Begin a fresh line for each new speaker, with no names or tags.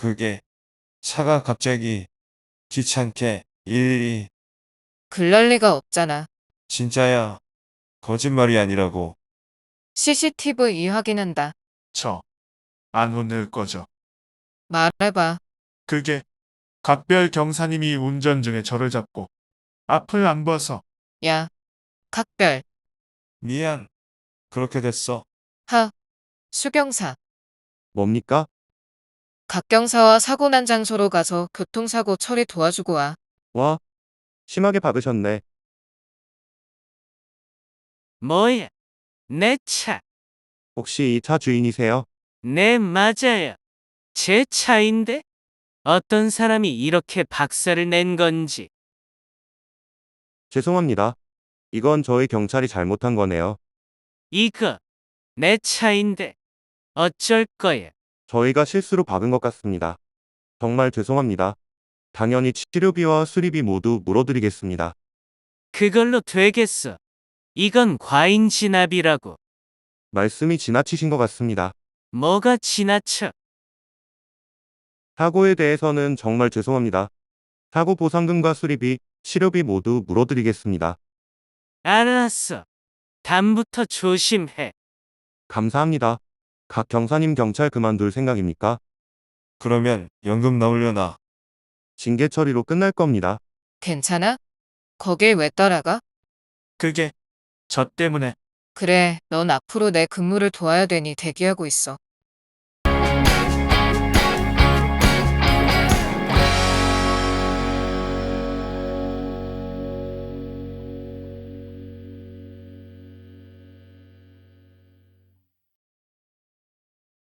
그게 차가 갑자기 귀찮게 일일이.
그럴 리가 없잖아.
진짜야. 거짓말이 아니라고.
CCTV 확인한다.
저, 안 혼낼 거죠.
말해봐.
그게 각별 경사님이 운전 중에 저를 잡고 앞을 안 봐서.
야, 각별.
미안. 그렇게 됐어.
하, 수경사.
뭡니까?
각경사와 사고 난 장소로 가서 교통사고 처리 도와주고 와.
와, 심하게 박으셨네.
뭐야? 내 차.
혹시 이 차 주인이세요?
네, 맞아요. 제 차인데? 어떤 사람이 이렇게 박살을 낸 건지.
죄송합니다. 이건 저희 경찰이 잘못한 거네요.
이거 내 차인데 어쩔 거야.
저희가 실수로 박은 것 같습니다. 정말 죄송합니다. 당연히 치료비와 수리비 모두 물어드리겠습니다.
그걸로 되겠어. 이건 과잉 진압이라고.
말씀이 지나치신 것 같습니다.
뭐가 지나쳐?
사고에 대해서는 정말 죄송합니다. 사고 보상금과 수리비, 치료비 모두 물어드리겠습니다.
알았어. 다음부터 조심해.
감사합니다. 각 경사님 경찰 그만둘 생각입니까?
그러면 연금 나오려나?
징계 처리로 끝날 겁니다.
괜찮아? 거길 왜 따라가?
그게 저 때문에.
그래, 넌 앞으로 내 근무를 도와야 되니 대기하고 있어.